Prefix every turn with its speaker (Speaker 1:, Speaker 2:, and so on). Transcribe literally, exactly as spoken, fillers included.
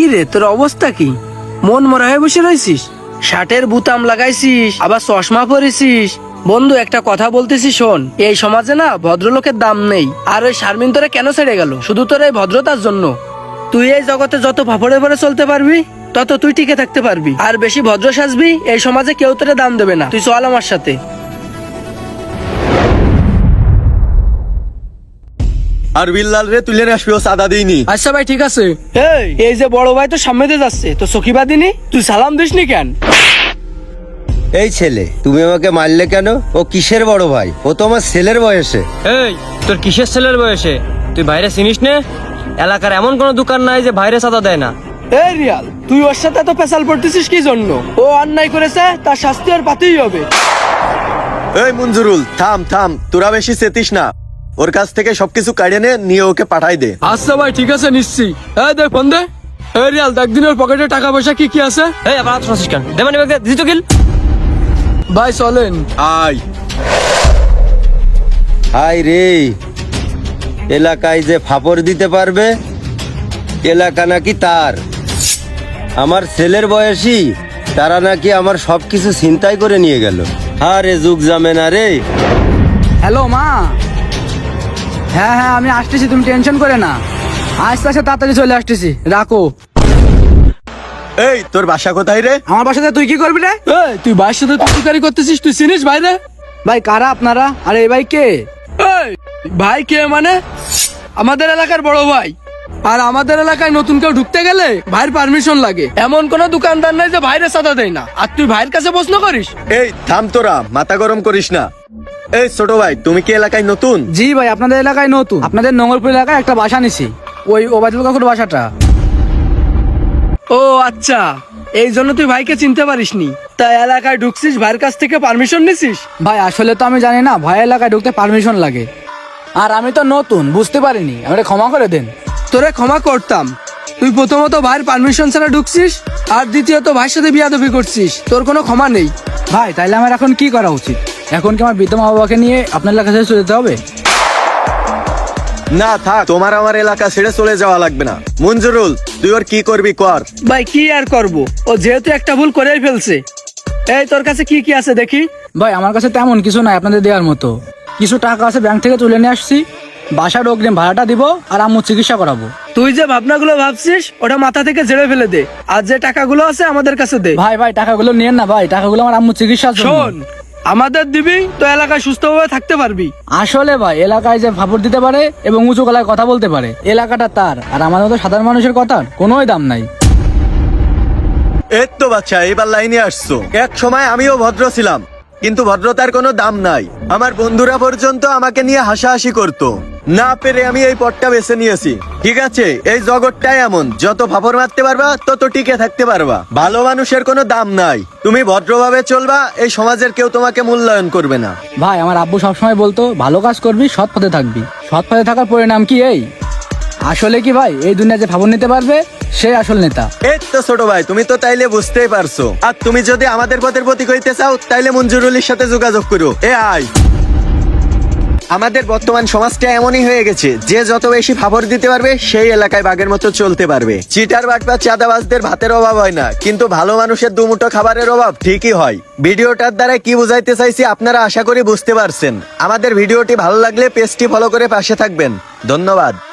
Speaker 1: রে তোর অবস্থা কি? মন মরা হয়ে বসে রয়েছিস, শার্টের বুতাম লাগাইছিস, আবার চশমা পরেছিস। বন্ধু একটা কথা বলতেছি শোন, এই সমাজে না ভদ্রলোকের দাম নেই। আর ওই শারমিন তোরে কেন ছেড়ে গেল? শুধু তোর এই ভদ্রতার জন্য। তুই এই জগতে যত ফাফড়ে ভরে চলতে পারবি তত তুই টিকে থাকতে পারবি। আর বেশি ভদ্র সাজবি, এই সমাজে কেউ তোরে দাম দেবে না। তুই চল আমার সাথে।
Speaker 2: আর বিল্লাল রে তুলে আসবি, ও সাদা দিইনি।
Speaker 1: আচ্ছা ভাই ঠিক আছে। এই এই যে বড় ভাই তো সামনে দিয়ে যাচ্ছে, তো সখিবা দিনি, তুই সালাম দিসনি কেন?
Speaker 3: এই ছেলে, তুমি আমাকে মারলে কেন? ও কিসের বড় ভাই? ও তো আমার ছেলের বয়সে।
Speaker 4: এই তোর কিসের ছেলের বয়সে? তুই বাইরে চিনিস নে? এলাকার এমন কোন দোকান নাই যে বাইরে সাদা দেয় না।
Speaker 1: এই রিয়াল, তুই ওর সাথে এত পেশাল পড়তেছিস কি জন্য? ও অন্যায় করেছে, তার শাস্তি আর পাতেই হবে।
Speaker 2: এই মঞ্জুরুল, থাম থাম, তোরা বেশি চেতিস না। ওর কাছ থেকে সবকিছু কাড়ে নে, নিয়ে ওকে পাঠাই দে।
Speaker 1: আচ্ছা ভাই ঠিক আছে, নিশ্চি। এই দেখ ফোন দে। এই রিয়াল, দেখ দিনের পকেটে টাকা পয়সা কি কি আছে।
Speaker 4: এই আবার শুনছিস কেন? দে মানে দিদি তো গিল।
Speaker 1: ভাই চলেন।
Speaker 2: আয়।
Speaker 3: হাই রে, এলাকায় যে ফাপড় দিতে পারবে, এলাকা নাকি তার। আমার ছেলের বয়সী তারা নাকি আমার সবকিছু ছিনতাই করে নিয়ে গেল। আরে যুগ যাবে না রে।
Speaker 5: হ্যালো মা। হ্যাঁ হ্যাঁ আমি আসতেছি, তুমি টেনশন করে না। আস্তে আস্তে তাড়াতাড়ি চলে আসতেছি, রাখো।
Speaker 2: এই তোর বাসা কোথায় রে?
Speaker 5: আমার বাসাতে তুই কি করবি রে?
Speaker 1: এই তুই ভাইয়ের সাথে তুই করতেছিস, তুই চিনিস ভাইরে?
Speaker 5: ভাই কারা আপনারা? আর এই ভাই কে?
Speaker 1: এই ভাই কে মানে? আমাদের এলাকার বড় ভাই। আর আমাদের এলাকায় নতুন কেউ ঢুকতে গেলে ভাইয়ের পারমিশন লাগে। এমন কোন দোকানদার নাই যে ভাইরে সাদা দেয় না। আর তুই ভাইয়ের কাছে প্রশ্ন করিস?
Speaker 2: এই থাম তোরা, মাথা গরম করিস না। এই ছোট ভাই, তুমি কি এলাকায় নতুন?
Speaker 5: জি ভাই, আপনাদের এলাকায় নতুন। আপনাদের নোংরপুর এলাকায় একটা বাসা নিছি, ওই ওবায়দুল কাকুর বাসাটা।
Speaker 1: ও আচ্ছা, এই জন্য তুই ভাইকে চিনতে পারিসনি। তা এলাকায় ঢুকছিস, ভাইয়ের কাছ থেকে পারমিশন নিছিস?
Speaker 5: ভাই আসলে তো আমি জানি না ভাই এলাকায় ঢুকতে পারমিশন লাগে। আর আমি তো নতুন, বুঝতে পারিনি, আমাকে ক্ষমা করে দেন।
Speaker 1: তোরে ক্ষমা করতাম। তুই প্রথমত ভাইয়ের পারমিশন ছাড়া ঢুকছিস, আর দ্বিতীয়ত ভাইয়ের সাথে বিয়াদবি করছিস, তোর কোনো ক্ষমা নেই।
Speaker 5: ভাই তাইলে আমার এখন কি করা উচিত? এখন কি আমার বৃদ্ধ মা বাবাকে নিয়ে আপনার এলাকা ছেড়ে চলে যেতে হবে?
Speaker 2: না থাক, তোমার আমার এলাকা ছেড়ে চলে যাওয়া লাগবে না। মঞ্জুরুল, তুই ওর কি করবি কর।
Speaker 1: ভাই কি আর করব, ও যেহেতু একটা ভুল করেই ফেলছে। এই তোর কাছে কি কি আছে দেখি?
Speaker 5: ভাই আমার কাছে তেমন কিছু নাই আপনাদের দেওয়ার মতো। কিছু টাকা আছে, ব্যাংক থেকে তুলে নিয়ে আসছি। বাসার অগ্রিম ভাড়াটা দিব, আর আম্মু চিকিৎসা করাবো।
Speaker 1: তুই যে ভাবনাগুলো ভাবছিস ওটা মাথা থেকে ঝেড়ে ফেলে দে, আর যে টাকাগুলো আছে আমাদের কাছে দে।
Speaker 5: ভাই ভাই টাকাগুলো নিয়েন না ভাই, টাকাগুলো আমার আম্মু চিকিৎসার জন্য।
Speaker 1: শোন, আমাদের দিবি তো এলাকায় সুস্থভাবে থাকতে পারবি।
Speaker 5: আসলে ভাই এলাকায় যে ফাপড় দিতে পারে এবং উঁচু গলায় কথা বলতে পারে, এলাকাটা তার। আর আমাদের মতো সাধারণ মানুষের কথার কোনোই দাম নাই।
Speaker 2: এই তো বাচ্চা, এবার লাইনে আসছো। এক সময় আমিও ভদ্র ছিলাম, কিন্তু ভদ্রতার কোনো দাম নাই। আমার বন্ধুরা পর্যন্ত আমাকে নিয়ে হাসাহাসি করতো। না পেরে আমি এই পথটা বেছে নিয়েছি। ঠিক আছে, এই জগৎটাই এমন, যত ফাপড় মারতে পারবা তত টিকে থাকতে পারবা। ভালো মানুষের কোনো দাম নাই। তুমি ভদ্রভাবে চলবা, এই সমাজের কেউ তোমাকে মূল্যায়ন করবে না।
Speaker 5: ভাই আমার আব্বু সবসময় বলতো, ভালো কাজ করবি, সৎ পথে থাকবি। সৎ পথে থাকার পরিণাম কি এই? আসলে কি ভাই, এই দুনিয়া যে ফাপড় নিতে পারবে সে আসল নেতা।
Speaker 2: এই তো ছোট ভাই, তুমি তো তাইলে বুঝতেই পারছো। আর তুমি যদি আমাদের পথের প্রতীক হইতে চাও, তাইলে মঞ্জুরুলের সাথে যোগাযোগ করো। এ আয়। আমাদের বর্তমান সমাজটা এমনই হয়ে গেছে যে যত বেশি ফাপড় দিতে পারবে সেই এলাকায় বাঘের মতো চলতে পারবে। চিটার বাট বা চাঁদাবাজদের ভাতের অভাব হয় না, কিন্তু ভালো মানুষের দুমুঠো খাবারের অভাব ঠিকই হয়। ভিডিওটার দ্বারা কি বুঝাইতে চাইছি আপনারা আশা করি বুঝতে পারছেন। আমাদের ভিডিওটি ভালো লাগলে পেজটি ফলো করে পাশে থাকবেন। ধন্যবাদ।